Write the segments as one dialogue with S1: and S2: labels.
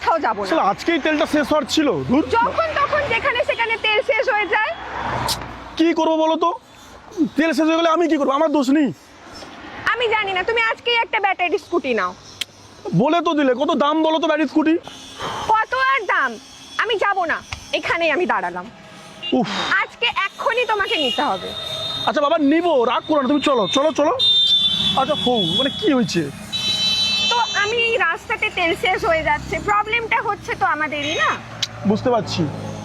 S1: কোথাও যাব না।
S2: আসলে আজকেই তেলটা শেষ হওয়ার ছিল। ধুর,
S1: যখন তখন যেখানে সেখানে তেল শেষ হয়ে যায়।
S2: কি করবো বলো তো? তেল শেষ হয়ে গেলে আমি কি করবো? আমার দোষ নেই।
S1: আমি জানি না, তুমি আজকেই একটা ব্যাটারি স্কুটি নাও।
S2: বলে তো দিলে, কত দাম বলো তো ব্যাটারি স্কুটি?
S1: কত আর দাম? আমি যাব না, এখানেই আমি দাঁড়ালাম।
S2: উফ,
S1: আজকে এক্ষুনি তোমাকে নিতে হবে।
S2: আচ্ছা বাবা নিবো, রাগ করো না, তুমি চলো চলো চলো। আচ্ছা মানে কি হয়েছে?
S1: তো আমি এই রাস্তাতে তেল শেষ হয়ে যাচ্ছে, প্রবলেমটা হচ্ছে তো আমাদেরই না।
S2: বুঝতে পারছি।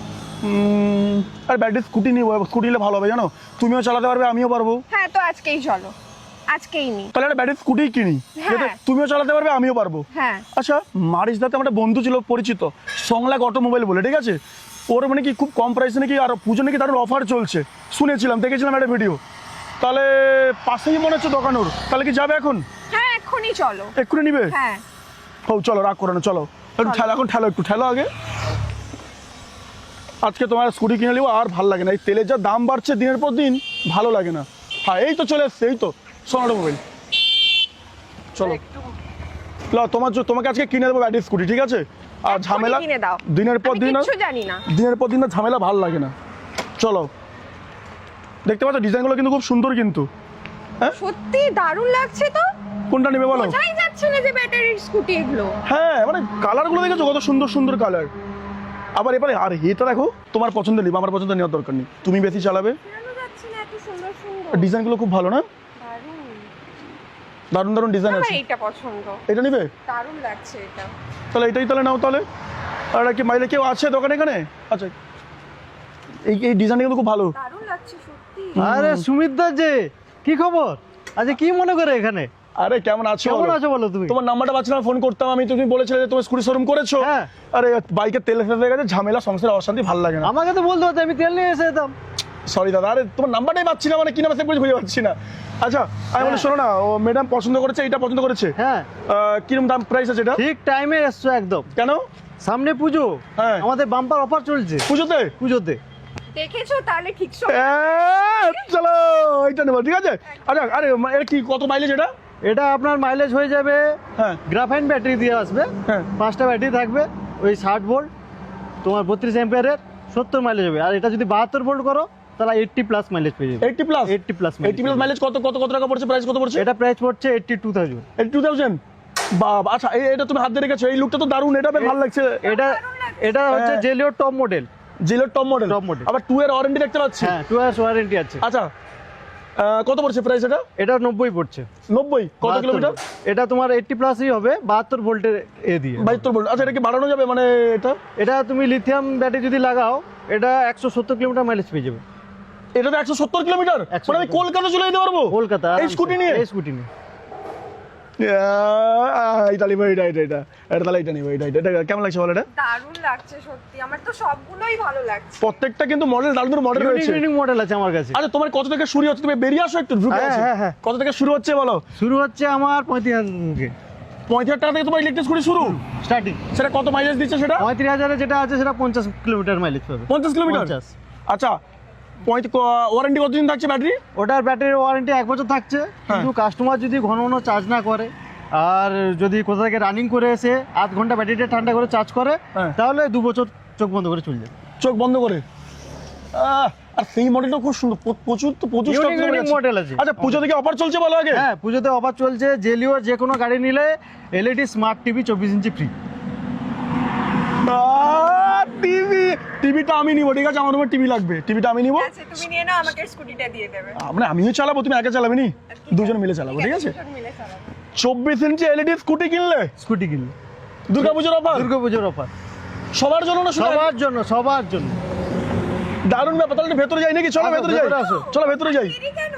S2: আর ব্যাটারি স্কুটি নিবো, স্কুটি নিলে ভালো হবে জানো, তুমিও চালাতে পারবে আমিও পারবো।
S1: হ্যাঁ, তো আজকেই চলো, আজকেই নি।
S2: তাহলে একটা ব্যাটারি স্কুটি কিনি,
S1: হ্যাঁ।
S2: যাতে তুমিও চালাতে পারবে আমিও পারবো।
S1: হ্যাঁ।
S2: আচ্ছা, মারিসদাতে আমার একটা বন্ধু ছিল পরিচিত, সংলাগ অটোমোবাইল বলে, ঠিক আছে? ওর মানে কি খুব কম প্রাইসে নাকি আর পুজো নাকি দারুণ অফার চলছে, শুনেছিলাম, দেখেছিলাম একটা ভিডিও। তাহলে পাশেই মনে হচ্ছে দোকান ওর, তাহলে কি যাবে এখন?
S1: হ্যাঁ, এক্ষুনি চলো।
S2: এক্ষুনি নিবে?
S1: হ্যাঁ
S2: হো চলো, রাগ করো না, চলো একটু ঠেলো, এখন ঠেলো, একটু ঠেলো আগে। আজকে তোমার স্কুটি কিনে নিবো, আর ভালো লাগে না, এই তেলের যা দাম বাড়ছে দিনের পর দিন, ভালো লাগে না। হ্যাঁ এই তো চলে এসছে, এই তো সোনাটা মোবাইল। চলো তোমাকে আজকে কিনে দেবো ব্যাটারি স্কুটি, ঠিক আছে? আর ঝামেলা
S1: কিনে দাও।
S2: দিনের পর দিন,
S1: কিছু জানি না।
S2: দিনের পর দিন না ঝামেলা ভালো লাগে না। চলো, দেখতে পাচ্ছ ডিজাইনগুলো কিন্তু খুব সুন্দর কিন্তু। হ্যাঁ
S1: সত্যি দারুণ লাগছে তো।
S2: কোনটা নেবে বলো?
S1: বোঝাই যাচ্ছে না যে ব্যাটারির স্কুটি এগুলো।
S2: হ্যাঁ মানে কালারগুলো দেখেছো কত সুন্দর সুন্দর কালার। আবার এবারে আর এটা দেখো, তোমার পছন্দ নিবে, আমার পছন্দ নেওয়ার দরকার নেই, তুমি বেশি চালাবে।
S1: কেন যাচ্ছে না? এত সুন্দর সুন্দর
S2: ডিজাইনগুলো খুব ভালো না?
S1: দারুণ।
S2: দারুণ দারুণ ডিজাইন
S1: আমার
S2: আছে।
S1: এইটা পছন্দ।
S2: এটা নিবে?
S1: দারুণ লাগছে এটা।
S2: তাহলে এটাই তাহলে নাও তাহলে। আর কি মাইলে কেউ আছে দোকানে এখানে? আচ্ছা, এই ডিজাইনটা কিন্তু খুব ভালো।
S1: দারুণ লাগছে সত্যি।
S3: আরে সুমিতদা যে, কি খবর? আচ্ছা কি মনে করে এখানে?
S2: আরে কেমন আছো?
S3: কেমন আছো বলো তুমি?
S2: তোমার নাম্বারটা পাচ্ছিলাম, ফোন করতাম আমি, তুমি বলেছিলে যে তোমার স্কুটি শোরুম করেছো।
S3: হ্যাঁ।
S2: আরে বাইকের তেল শেষ হয়ে গেছে, ঝামেলা, সংসারে অশান্তি, ভালো লাগে না।
S3: আমাকে তো বলতে হতো, আমি তেল নিয়ে এসে যেতাম।
S2: সরি দাদা, আরে তোমার নাম্বারটাই পাচ্ছি না, মানে কি নাম আছে বুঝে পাচ্ছি না। আচ্ছা আমি বলি শোনো না, ও ম্যাডাম পছন্দ করেছে, এটা পছন্দ করেছে।
S3: হ্যাঁ।
S2: কিরকম দাম প্রাইস আছে এটা?
S3: ঠিক টাইমে এসছো একদম।
S2: কেন?
S3: সামনে পুজো,
S2: হ্যাঁ।
S3: আমাদের বাম্পার অফার চলছে
S2: পুজোতে?
S3: পুজোতে।
S1: দেখেছো তাহলে ঠিক সময়।
S2: চলো এটা নেবো, ঠিক আছে? আচ্ছা আরে এটা কি, কত মাইলেজ এটা?
S3: এটা আপনার মাইলেজ হয়ে যাবে,
S2: হ্যাঁ
S3: গ্রাফাইন ব্যাটারি দিয়ে আসবে।
S2: হ্যাঁ।
S3: 5টা ব্যাটারি থাকবে, ওই 60 ভোল্ট, তোমার 32 অ্যাম্পিয়ারের, 70 মাইলেজ হবে। আর এটা যদি 72 ভোল্ট করো তাহলে 80 প্লাস মাইলেজ পেয়ে যাবে।
S2: 80 প্লাস?
S3: 80 প্লাস
S2: 80 প্লাস মাইলেজ কত কত কত টাকা পড়ছে, প্রাইস কত পড়ছে?
S3: এটা প্রাইস পড়ছে 82,000।
S2: 82,000? বাবা, আচ্ছা এটা তুমি হাত দিয়ে রেখেছো, এই লুকটা তো দারুণ, এটা বেশ ভালো লাগছে।
S3: এটা এটা হচ্ছে
S2: হ্যাঁ।
S3: জেলিওর টপ মডেল।
S2: জিলোর টপ মডেল।
S3: Top model।
S2: আবার 2 এর ওয়ারেন্টি দেখতে পাচ্ছি।
S3: হ্যাঁ, 2 ইয়ার্স ওয়ারেন্টি আছে।
S2: আচ্ছা কত পড়ছে প্রাইস এটা?
S3: এটা 90 পড়ছে।
S2: 90? কত
S3: 72
S2: কিলোমিটার?
S3: এটা তোমার 80 প্লাসই হবে, 72 ভোল্টের এ দিয়ে।
S2: 72 ভোল্ট। আচ্ছা এটা কি বাড়ানো যাবে মানে এটা?
S3: এটা তুমি লিথিয়াম ব্যাটারি যদি লাগাও, এটা 170 কিলোমিটার মাইলেজ পেয়ে যাবে।
S2: এটা তো 170 কিলোমিটার,
S3: 170
S2: মানে আমি কলকাতা চলে যেতে পারবো
S3: কলকাতা
S2: এই স্কুটি নিয়ে?
S3: এই স্কুটি নিয়ে।
S2: এটা নিবো, এটা এটা এটা এটা তাহলে এটা নিবো, এটা এটা কেমন লাগছে বলো? এটা
S1: দারুণ লাগছে সত্যি, আমার তো সবগুলোই ভালো লাগছে।
S2: প্রত্যেকটা কিন্তু মডেল দারুণ মডেল রয়েছে।
S3: ইউনিক মডেল আছে আমার কাছে।
S2: আচ্ছা তোমার কত থেকে শুরু হচ্ছে, তুমি বেরিয়ে আসো একটু, ঢুকে
S3: হ্যাঁ,
S2: আসো।
S3: হ্যাঁ, হ্যাঁ।
S2: কত থেকে শুরু হচ্ছে বলো?
S3: শুরু হচ্ছে আমার 35,000 থেকে।
S2: 35,000 টাকা থেকে তোমার ইলেকট্রিক স্কুটি শুরু?
S3: স্টার্টিং।
S2: সেটা কত মাইলেজ দিচ্ছে সেটা?
S3: 35,000 এ যেটা আছে সেটা 50 কিলোমিটার মাইলেজ পাবে।
S2: 50 কিলোমিটার?
S3: 50।
S2: আচ্ছা ওয়ারেন্টি কতদিন থাকছে ব্যাটারি?
S3: ওটার ব্যাটারির ওয়ারেন্টি 1 বছর থাকছে, কিন্তু কাস্টমার যদি ঘন ঘন চার্জ না করে আর যদি কোথা থেকে রানিং করে এসে আধ ঘন্টা ব্যাটারিটা ঠান্ডা করে চার্জ করে,
S2: হ্যাঁ।
S3: তাহলে 2 বছর চোখ বন্ধ করে চলে যাবে।
S2: চোখ বন্ধ করে? আর সেই মডেলটা খুব সুন্দর, প্রচুর তো প্রচুর stock
S3: Unique
S2: চলে গেছে।
S3: model আছে।
S2: আচ্ছা পুজো থেকে অফার চলছে বলো আগে?
S3: হ্যাঁ, পুজোতে অফার চলছে। জেলিওর যে কোনো গাড়ি নিলে LED smart TV 24 inch free.
S2: টিভিটা আমি নিবো, ঠিক আছে? আমার রুমে টিভি লাগবে, টিভিটা আমি নিবো।
S1: আচ্ছা তুমি নিয়ে নাও, আমাকে স্কুটিটা দিয়ে দেবে।
S2: মানে আমিও চালাবো, তুমি একা চালাবে নি, দুজন মিলে চালাবো, ঠিক আছে?
S1: দুজন মিলে চালাবো।
S2: 24 ইঞ্চি এলইডি স্কুটি কিনলে
S3: স্কুটি কিনলে
S2: দুর্গাপুজোর অফার?
S3: দুর্গাপুজোর অফার
S2: সবার জন্য না? শুধু
S3: সবার জন্য, সবার জন্য।
S2: দারুণ ব্যাপার। তাহলে একটু ভেতরে যাই নাকি? চলো
S3: আসো,
S2: ভেতরে যাই,
S3: ভেতরে আসো।
S2: চলো ভেতরে যাই।
S1: দেরি কেন?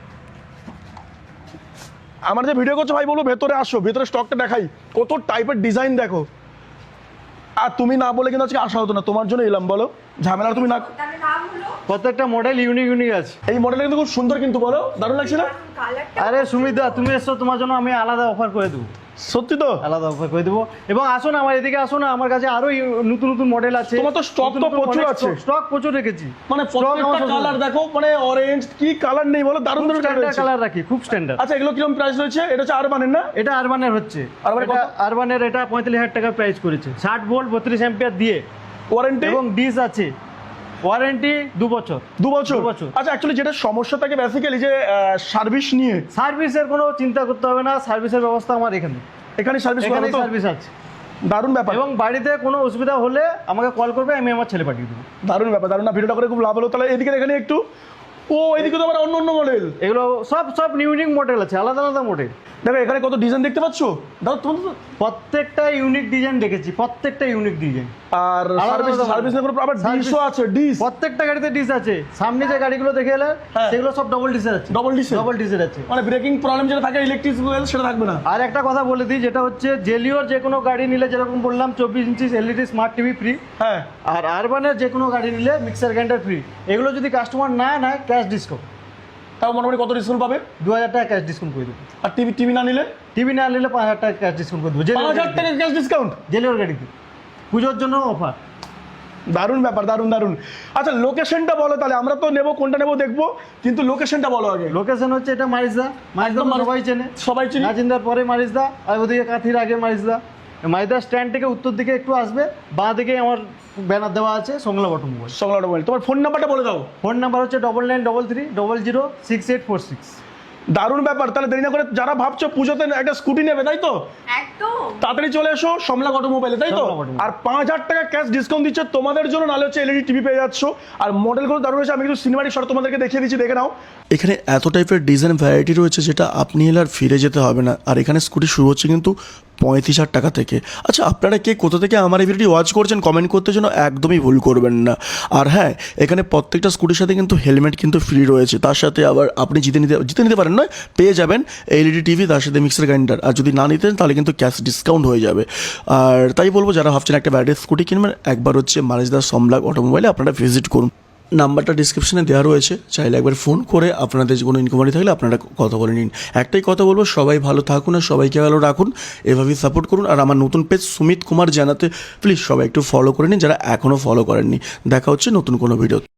S2: আমার যে ভিডিও করছো ভাই, বলো ভেতরে আসো, ভেতরে স্টকটা দেখাই, কত টাইপের ডিজাইন দেখো। আর তুমি না বলে কিন্তু আজকে আসা হতো না, তোমার জন্য এলাম, বলো ঝামেলা তুমি না।
S1: তাহলে নাম হলো
S3: প্রত্যেকটা মডেল ইউনিক আছে।
S2: এই মডেলটা কিন্তু খুব সুন্দর কিন্তু, বলো দারুণ লাগছে না?
S1: কালারটা।
S3: আরে সুমিতদা, তুমি এসছো, তোমার জন্য আমি আলাদা অফার করে দেবো।
S2: সত্যি তো?
S3: আলাদা অফার করে দেবো। এবং আসুন আমার এদিকে, আসুন আমার কাছে আরো নতুন নতুন মডেল আছে।
S2: তোমার তো stock তো প্রচুর আছে।
S3: স্টক প্রচুর রেখেছি,
S2: মানে
S3: Stock
S2: প্রত্যেকটা
S3: আমার
S2: কালার দেখো, মানে অরেঞ্জ কি কালার নেই বলো, দারুণ দারুণ কালার
S3: স্ট্যান্ডার্ড কালার রাখি, খুব স্ট্যান্ডার্ড।
S2: আচ্ছা এগুলো কিরকম প্রাইস রয়েছে? এটা হচ্ছে আরবানের না?
S3: এটা আরবানের হচ্ছে,
S2: আরবানের
S3: এটা
S2: কত?
S3: আরবানের এটা 45,000 টাকা প্রাইস করেছে, 60 ভোল্ট 32 অ্যাম্পিয়ার দিয়ে,
S2: ওয়ারেন্টি
S3: এবং ডিস আছে, ওয়ারেন্টি 2 বছর।
S2: 2 বছর?
S3: 2 বছর।
S2: আচ্ছা অ্যাকচুয়ালি যেটা সমস্যা থাকে বেসিক্যালি যে সার্ভিস নিয়ে,
S3: সার্ভিসের কোনো চিন্তা করতে হবে না, সার্ভিসের ব্যবস্থা আমার এখানে,
S2: এখানে সার্ভিস
S3: এখানে
S2: করা তো
S3: সার্ভিস আছে।
S2: দারুণ ব্যাপার,
S3: এবং বাড়িতে কোনো অসুবিধা হলে আমাকে কল করবে, আমি আমার ছেলে পাঠিয়ে দেবো।
S2: দারুণ ব্যাপার, দারুণ না? ভিডিওটা করে খুব লাভ হলো। তাহলে এদিকে এখানে একটু, ও এদিকে তো আবার অন্য অন্য মডেল,
S3: এগুলো সব ইউনিক মডেল আছে, আলাদা আলাদা মডেল।
S2: দেখো এখানে কত ডিজাইন দেখতে পাচ্ছ, দাও তোমার তো।
S3: প্রত্যেকটা ইউনিক ডিজাইন দেখেছি, প্রত্যেকটা ইউনিক ডিজাইন।
S2: আর
S3: আলাদা
S2: সার্ভিস
S3: আলাদা
S2: সার্ভিস
S3: model।
S2: না করে আবার
S3: Service-
S2: ডিশও আছে, ডিশ
S3: প্রত্যেকটা গাড়িতে ডিস আছে, সামনে যে গাড়িগুলো দেখে এলে
S2: হ্যাঁ।
S3: সেগুলো সব ডবল ডিসের আছে,
S2: Double disc এর?
S3: ডবল ডিসের আছে।
S2: মানে ব্রেকিং প্রবলেম যেটা থাকে ইলেকট্রিক সেটা থাকবে না।
S3: আর একটা কথা বলে দিই, যেটা হচ্ছে জেলিওর যে কোনো গাড়ি নিলে যেরকম বললাম 24 inch LED smart TV free,
S2: হ্যাঁ
S3: আর আরবানের যে কোনো গাড়ি নিলে মিক্সার গ্রাইন্ডার ফ্রি। এগুলো যদি কাস্টমার না নেয় ক্যাশ ডিসকাউন্ট,
S2: তাও মোটামুটি কত ডিসকাউন্ট পাবে?
S3: 2000 টাকা ক্যাশ ডিসকাউন্ট করে দেবো।
S2: আর টিভি টিভি না নিলে
S3: টিভি না নিলে 5000 টাকা ক্যাশ ডিসকাউন্ট করে দেবো।
S2: 5000 টাকা ক্যাশ ডিসকাউন্ট?
S3: জেলিওর গাড়িতে পুজোর জন্য অফার।
S2: দারুণ ব্যাপার, দারুণ দারুণ। আচ্ছা লোকেশনটা বলো তাহলে, আমরা তো নেবো কোনটা নেবো দেখবো, কিন্তু লোকেশনটা বলো আগে।
S3: লোকেশন হচ্ছে এটা মারিজদা, মারিজদা
S2: একদম
S3: সবাই চেনে,
S2: সবাই চিনি।
S3: নাজিন্দার পরে মারিজদা, আর ওদিকে কাঁথির আগে মারিজদা। মারিজদা স্ট্যান্ড থেকে উত্তর দিকে একটু আসবে, বাঁ দিকে আমার ব্যানার দেওয়া আছে সংলা অটোমোবাইল।
S2: সংলাট মোবাইল। তোমার ফোন নাম্বারটা বলে দাও।
S3: ফোন নাম্বার হচ্ছে 9933006846।
S2: দারুণ ব্যাপার। তাহলে দেরি না করে, যারা ভাবছো পুজোতে একটা স্কুটি নেবে তাই তো,
S1: একদম
S2: তাড়াতাড়ি চলে এসো সমলা অটোমোবাইলে, তাই তো?
S3: সমলা অটোমোবাইল।
S2: আর 5000 টাকা ক্যাশ ডিসকাউন্ট দিচ্ছে তোমাদের জন্য, নাহলে হচ্ছে এলইডি টিভি পেয়ে যাচ্ছ। আর মডেলগুলো দারুণ রয়েছে, আমি কিন্তু সিনেমাটিক শট তোমাদেরকে দেখিয়ে দিচ্ছি, দেখে নাও।
S4: এখানে এত টাইপের ডিজাইন ভ্যারাইটি রয়েছে যেটা আপনি এলে আর ফিরে যেতে হবে না। আর এখানে স্কুটি শুরু হচ্ছে কিন্তু 35,000 টাকা থেকে। আচ্ছা আপনারা কে কোথা থেকে আমার এই ভিডিওটি ওয়াচ করছেন কমেন্ট করতে যেন একদমই ভুল করবেন না। আর হ্যাঁ, এখানে প্রত্যেকটা স্কুটির সাথে কিন্তু হেলমেট কিন্তু ফ্রি রয়েছে, তার সাথে আবার আপনি জিতে নিতে পারেন নয়, পেয়ে যাবেন এলইডি টিভি, তার সাথে মিক্সার গ্রাইন্ডার। আর যদি না নিতেন তাহলে কিন্তু ক্যাশ ডিসকাউন্ট হয়ে যাবে। আর তাই বলবো যারা ভাবছেন একটা ব্যাটারি স্কুটি কিনবেন, একবার হচ্ছে মারিজদা সমলা অটোমোবাইলে আপনারা ভিজিট করুন। নাম্বারটা ডিসক্রিপশনে দেওয়া রয়েছে, চাইলে একবার ফোন করে আপনাদের কোনো ইনকোয়ারি থাকলে আপনারা কথা বলে নিন। একটাই কথা বলবো, সবাই ভালো থাকুন আর সবাইকে ভালো রাখুন, এভাবেই সাপোর্ট করুন। আর আমার নতুন পেজ সুমিত কুমার জানাতে প্লিজ সবাই একটু ফলো করে নিন যারা এখনও ফলো করেননি। দেখা হচ্ছে নতুন কোনো ভিডিও।